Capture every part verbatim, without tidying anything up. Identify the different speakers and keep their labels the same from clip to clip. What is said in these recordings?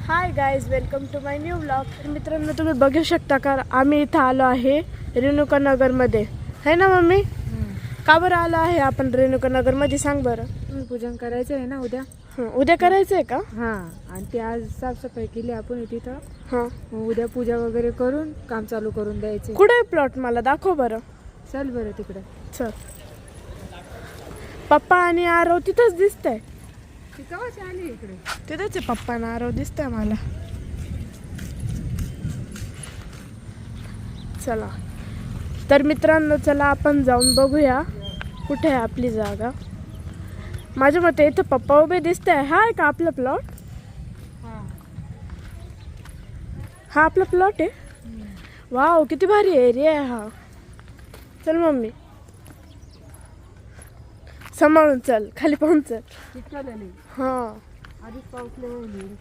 Speaker 1: High guys, welcome to my new blog. तर मित्रांनो, तुम्ही बघू शकता का आम्ही इथं आलो आहे रेणुका नगरमध्ये, है ना मम्मी? का बरं आलो आहे आपण रेणुका नगरमध्ये, सांग बरं.
Speaker 2: पूजन करायचं आहे ना उद्या.
Speaker 1: हं, उद्या करायचं आहे का?
Speaker 2: हां, आणि ते आज साफसफाई केली आपण तिथं.
Speaker 1: हां,
Speaker 2: मग उद्या पूजा वगैरे करून काम चालू करून द्यायचे.
Speaker 1: कुठे आहे प्लॉट? मला दाखव बरं.
Speaker 2: चल बरं तिकडं.
Speaker 1: चल. पप्पा आणि आरव तिथंच दिसतंय.
Speaker 2: ती कवाची आली इकडे?
Speaker 1: तिथंच आहे पप्पा आणि आरव दिसतंय मला. चला तर मित्रांनो, चला आपण जाऊन बघूया कुठे आहे आपली जागा. माझ्या मते इथं पप्पा उभे दिसत आहे. हा आहे का आपला प्लॉट?
Speaker 2: हां,
Speaker 1: हा आपला प्लॉट आहे. वाव, किती भारी एरिया आहे हा. चल मम्मी, सांभाळून चल, खाली पाहून चल.
Speaker 2: चिटकलेली
Speaker 1: हा,
Speaker 2: आधीच पाऊसले होईल.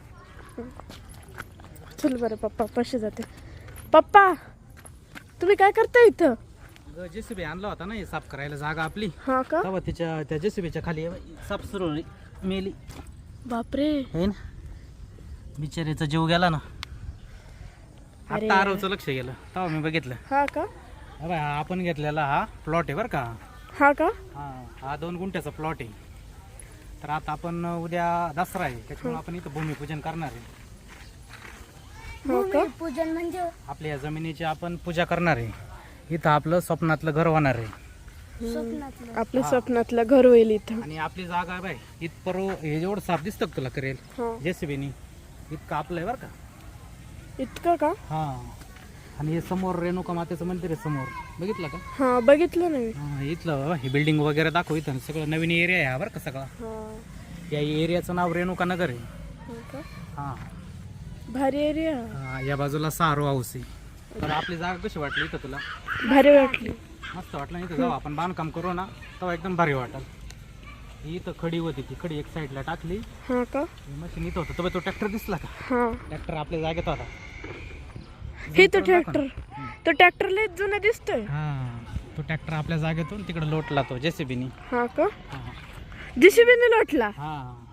Speaker 1: चल बरं. पप्पा कसे जाते? पप्पा, तुम्ही काय करता इथं?
Speaker 3: जेसीबी आणला होता ना हे साफ करायला जागा आपली.
Speaker 1: हा का?
Speaker 3: तेव्हा तिच्या त्या जेसीबीच्या खाली साफ सुरू मेली.
Speaker 1: बापरे.
Speaker 3: है ना, बिचारीचा जीव गेला ना.
Speaker 1: अरे.
Speaker 3: आता आरवचं लक्ष गेलं तेव्हा मी बघितलं.
Speaker 1: हा का?
Speaker 3: हा बाय, हा आपण घेतलेला हा प्लॉट आहे बरं का.
Speaker 1: हा का?
Speaker 3: हा हा दोन गुंठ्याचा प्लॉट आहे. तर आता आपण उद्या दसरा आहे, त्याच्यामुळे आपण इथं भूमिपूजन करणार आहे.
Speaker 1: हो का?
Speaker 4: पूजन म्हणजे
Speaker 3: आपल्या या जमिनीची आपण पूजा करणार आहे. इथं आपलं स्वप्नातलं घर होणार आहे.
Speaker 4: स्वप्नातलं
Speaker 1: आपल्या स्वप्नातलं घर होईल इथं.
Speaker 3: आणि आपली जागा आहे बाय इथपर्यंत. हे जेवढं साफ दिसतं का तुला करेल
Speaker 1: हा.
Speaker 3: जेसीबीनी, इतकं आपलं आहे बरं का.
Speaker 1: इतकं का?
Speaker 3: हा, आणि हे समोर रेणुका मातेचं मंदिर आहे समोर, बघितलं का?
Speaker 1: हा, बघितलं ना मी.
Speaker 3: हा, इथलं बाबा ही बिल्डिंग वगैरे दाखव. इथं सगळं नवीन एरिया आहे हा बरं का सगळा.
Speaker 1: हा.
Speaker 3: या एरियाचं नाव रेणुका नगर आहे.
Speaker 1: हो का?
Speaker 3: हा,
Speaker 1: भारी एरिया.
Speaker 3: हा, या बाजूला सारो हाऊस आहे. तर आपली जागा कशी वाटली इथं तुला?
Speaker 1: भारी वाटली.
Speaker 3: मस्त वाटलं. इथं जाऊ आपण बांधकाम करू ना तेव्हा एकदम भारी वाटेल. ही इथं खडी होती, ती खडी एक साईडला टाकली.
Speaker 1: हा का?
Speaker 3: मशीन इथं होतं तर तो ट्रॅक्टर दिसला का?
Speaker 1: हा,
Speaker 3: ट्रॅक्टर आपल्या जागेत होता.
Speaker 1: हे तो ट्रॅक्टर. तो ट्रॅक्टर लय जुना दिसतोय.
Speaker 3: हा, तो ट्रॅक्टर आपल्या जागेतून तिकडे लोटला तो जेसीबीनी.
Speaker 1: हा का?
Speaker 3: हा
Speaker 1: जेसीबीने लोटला.
Speaker 3: हा,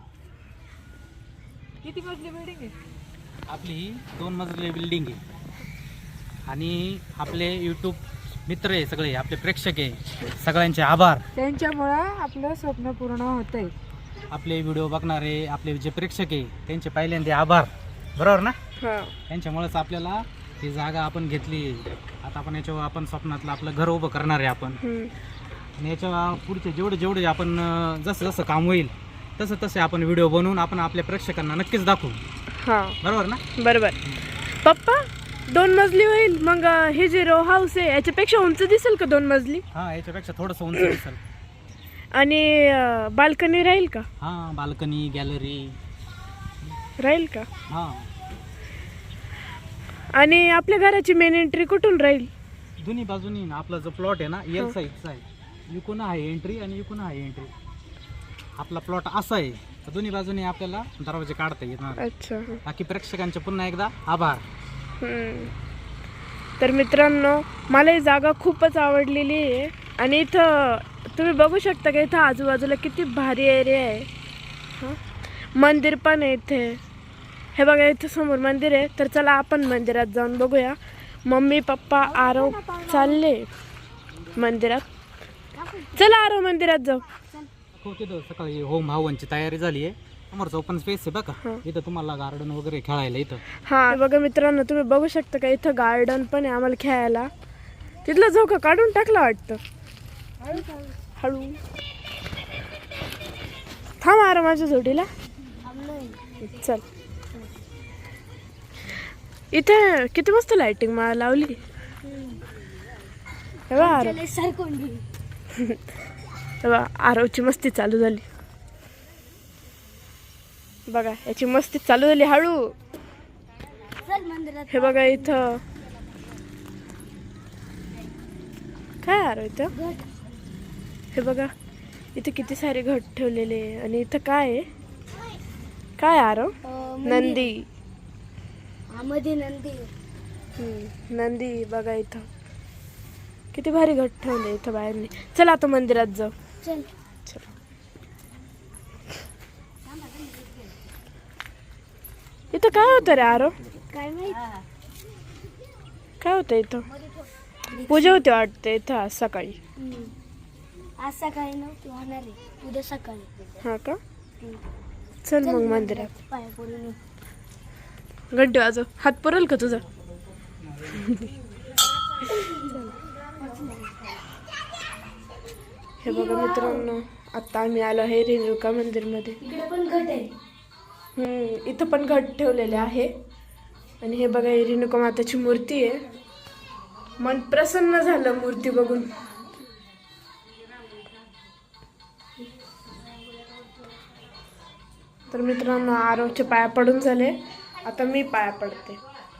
Speaker 2: किती मजली बिल्डिंग आहे?
Speaker 3: आपली ही दोन मजली बिल्डिंग आहे. आणि आपले यूट्यूब मित्र आहे सगळे, आपले प्रेक्षक आहे, सगळ्यांचे आभार.
Speaker 2: त्यांच्यामुळं आपलं स्वप्न पूर्ण होतंय.
Speaker 3: आपले व्हिडिओ बघणारे आपले जे प्रेक्षक आहे त्यांचे पहिल्यांदा आभार, बरोबर ना?
Speaker 1: हा.
Speaker 3: त्यांच्यामुळेच आपल्याला ही जागा आपण घेतली. आता आपण याच्यावर आपण स्वप्नातलं आपलं घर उभं करणार आहे आपण.
Speaker 1: हम्म.
Speaker 3: आणि याच्या पुढचे जेवढे जेवढे आपण अं, जसं जसं काम होईल तसं तसे आपण व्हिडिओ बनवून आपण आपल्या प्रेक्षकांना नक्कीच दाखवू,
Speaker 1: हा,
Speaker 3: बरोबर ना?
Speaker 1: बरोबर. पप्पा, दोन मजली होईल मग. अं, हे जे रो हाऊस आहे याच्यापेक्षा उंच दिसेल का दोन मजली?
Speaker 3: हा, याच्यापेक्षा थोडंसं उंच दिसेल.
Speaker 1: आणि बाल्कनी राहील का?
Speaker 3: हा, बाल्कनी गॅलरी
Speaker 1: राहील का?
Speaker 3: हा.
Speaker 1: आणि आपल्या घराची मेन एंट्री कुठून राहील?
Speaker 3: दोन्ही बाजूनी ना आपला जो प्लॉट आहे ना एल साईजचा आहे. इकून आहे एंट्री आणि इकून आहे एंट्री. आपला प्लॉट असा आहे तर दोन्ही बाजूनी आपल्याला दरवाजे काढता येणार.
Speaker 1: अच्छा.
Speaker 3: बाकी प्रेक्षकांचे पुन्हा एकदा आभार.
Speaker 1: हम्म. तर मित्रांनो, मला ही जागा खूपच आवडलेली आहे. आणि इथं तुम्ही बघू शकता की इथं आजूबाजूला किती भारी एरिया आहे. हं? मंदिर पण आहे इथे. हे बघा, इथं समोर मंदिर आहे. तर चला आपण मंदिरात जाऊन बघूया. मम्मी पप्पा आरव चालले मंदिरात. चला आरव, मंदिरात जाऊ.
Speaker 3: हो, तिथं सकाळी होम हवनची तयारी झाली आहे. समोरचं ओपन स्पेस आहे बघा.
Speaker 1: हं.
Speaker 3: इथं तुम्हाला गार्डन वगैरे खेळायला इथं.
Speaker 1: हा, हे बघा मित्रांनो, तुम्ही बघू शकता का इथं गार्डन पण आहे आम्हाला खेळायला. तिथला झोका काढून टाकला वाटतं. हळू थांब आरव, माझ्या जोडीला चल. इथे किती मस्त लाइटिंग मला लावली. हे बघ आरव, हे बघ आरवची मस्ती चालू झाली. बघा, याची मस्ती चालू झाली. हळू. हे बघा इथं काय आरव इथं. हे बघा इथे किती सारे घट ठेवलेले आहे. आणि इथं काय आहे? काय आरव? नंदी.
Speaker 4: मध्ये नंदी.
Speaker 1: हम्म, नंदी. बघा इथं किती भारी घट ठेवले इथं बाहेरनी. चला आता मंदिरात जाऊ.
Speaker 4: चल.
Speaker 1: चला. इथं काय होतं रे आरो?
Speaker 4: काय माहित
Speaker 1: काय होतं इथं? पूजा होती वाटते इथं आज सकाळी.
Speaker 4: हम्म. आज सकाळी नव्हती होणार आहे, उद्या सकाळी.
Speaker 1: हा का?
Speaker 4: हम्म.
Speaker 1: चल मग मंदिरात.
Speaker 4: पाया पडून ये.
Speaker 1: घंटे वाजव. हात पुरेल का तुझा? हे बघा मित्रांनो, आता आम्ही आलो आहे रेणुका मंदिरमध्ये.
Speaker 4: इकडे पण घट आहे.
Speaker 1: हम्म, इथं पण घट ठेवलेले आहे. आणि हे बघा, ही रेणुका माताची मूर्ती आहे. मन प्रसन्न झालं मूर्ती बघून. तर मित्रांनो, आरवचे पाया पडून झाले. आता मी पाया पडते.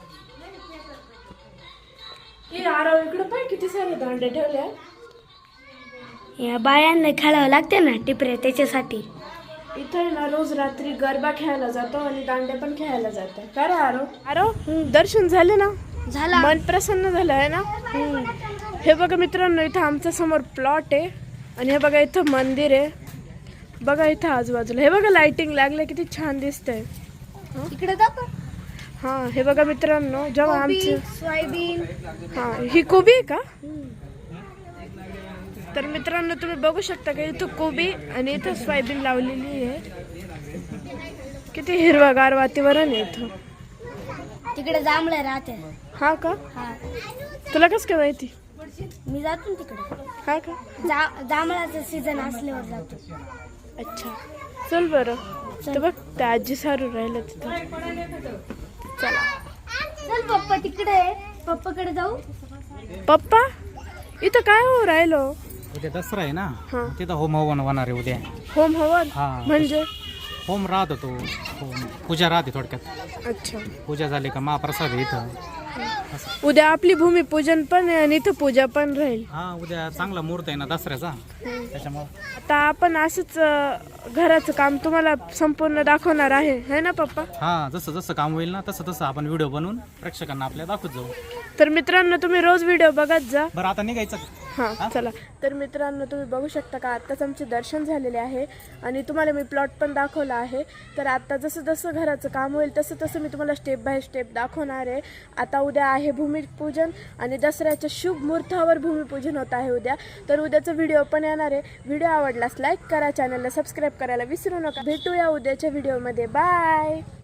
Speaker 1: हे आरव, इकडे पाय किती सारे दांडे ठेवले.
Speaker 4: या बायांना खेळावं लागते ना टिपऱ्या, त्याच्यासाठी.
Speaker 1: इथं आहे ना, रोज रात्री गरबा खेळायला जातो आणि दांडे पण खेळायला जातो. काय रे आरव? आरव, दर्शन झाले ना?
Speaker 4: झाला.
Speaker 1: मन प्रसन्न झालं आहे ना? हे बघा मित्रांनो, इथं आमच्या समोर प्लॉट आहे आणि हे बघा इथं मंदिर आहे. बघा इथं आजूबाजूला हे बघा लाइटिंग लागले, किती छान दिसतंय.
Speaker 4: इकडे दाखव.
Speaker 1: हा, हे बघा मित्रांनो, जेव्हा आमचे
Speaker 4: सोयाबीन.
Speaker 1: हा, ही कोबी आहे का? तर मित्रांनो, तुम्ही बघू शकता का इथं कोबी आणि इथं सोयाबीन लावलेली आहे. किती हिरवागार वातावरण आहे इथं.
Speaker 4: तिकडे जांभळं राहते.
Speaker 1: हा का?
Speaker 4: हा,
Speaker 1: तुला कसं काय माहिती?
Speaker 4: मी जातो ना तिकडे.
Speaker 1: हा का?
Speaker 4: जा जांभळाचं सीझन असल्यावर जातो.
Speaker 1: अच्छा, चल बरं. तर बघ, त्या आजी सारू राहिलं तिथं. चला.
Speaker 4: चल पप्पा तिकडे आहे, पप्पाकडे जाऊ.
Speaker 1: पप्पा, इथं काय हो राहिलो?
Speaker 3: उद्या दसरा आहे ना,
Speaker 1: हा.
Speaker 3: तिथं होम हवन होणार आहे उद्या.
Speaker 1: होम हवन
Speaker 3: हा.
Speaker 1: म्हणजे?
Speaker 3: होम राहत होतो, होम पूजा राहते थोडक्यात.
Speaker 1: अच्छा.
Speaker 3: पूजा झाली का महाप्रसाद आहे इथं.
Speaker 1: उद्या आपली भूमिपूजन पण आहे आणि इथं पूजा पण राहील.
Speaker 3: हा, उद्या चांगला मुहूर्त आहे ना दसऱ्याचा, त्याच्यामुळं.
Speaker 1: आता आपण असंच अं, घराचं काम तुम्हाला संपूर्ण दाखवणार आहे, है ना पप्पा?
Speaker 3: हा, जसं जसं काम होईल ना तसं तसं आपण व्हिडिओ बनवून प्रेक्षकांना आपल्या दाखवत जाऊ.
Speaker 1: तर मित्रांनो, तुम्ही रोज व्हिडिओ बघत जा.
Speaker 3: बरं, आता निघायचं.
Speaker 1: हां, चला. तर मित्रांनो, तुम्ही बघू शकता का आत्ताच आमचे दर्शन झालेले आहे आणि तुम्हाला मी प्लॉट पण दाखवला आहे. तर आता जसं जसं घराचं काम होईल तसं तसं मी तुम्हाला स्टेप बाय स्टेप दाखवणार आहे. आता उद्या आहे भूमिपूजन आणि दसऱ्याच्या शुभ मुहूर्तावर भूमिपूजन होत आहे उद्या. तर उद्याचा व्हिडिओ पण येणार आहे. व्हिडिओ आवडल्यास लाईक करा, चॅनलला सबस्क्राईब करायला विसरू नका. भेटूया उद्याच्या व्हिडिओमध्ये. बाय.